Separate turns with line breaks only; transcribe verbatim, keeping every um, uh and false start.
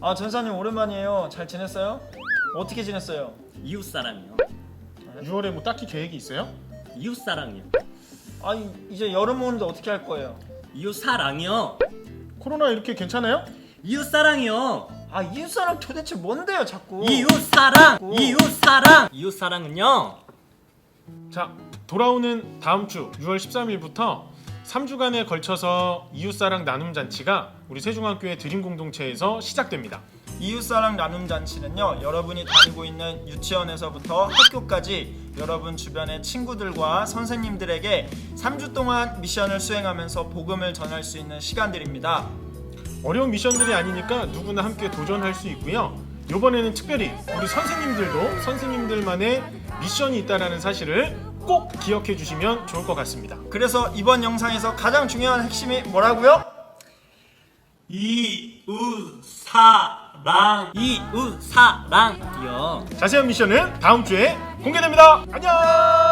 아 전사님 오랜만이에요. 잘 지냈어요? 어떻게 지냈어요?
이웃사랑이요.
유월에 뭐 딱히 계획이 있어요?
이웃사랑이요.
아니 이제 여름 오는데 어떻게 할 거예요?
이웃사랑이요.
코로나 이렇게 괜찮아요?
이웃사랑이요.
아 이웃사랑 도대체 뭔데요 자꾸?
이웃사랑.
오.
이웃사랑. 이웃사랑은요.
자, 돌아오는 다음 주 유월 십삼일부터 삼 주간에 걸쳐서 이웃사랑 나눔 잔치가 우리 세종학교의 드림 공동체에서 시작됩니다.
이웃사랑 나눔 잔치는요, 여러분이 다니고 있는 유치원에서부터 학교까지 여러분 주변의 친구들과 선생님들에게 삼 주 동안 미션을 수행하면서 복음을 전할 수 있는 시간들입니다.
어려운 미션들이 아니니까 누구나 함께 도전할 수 있고요. 이번에는 특별히 우리 선생님들도 선생님들만의 미션이 있다는 사실을 꼭 기억해 주시면 좋을 것 같습니다.
그래서 이번 영상에서 가장 중요한 핵심이 뭐라고요?
이웃사랑. 이웃사랑이요.
자세한 미션은 다음 주에 공개됩니다. 안녕!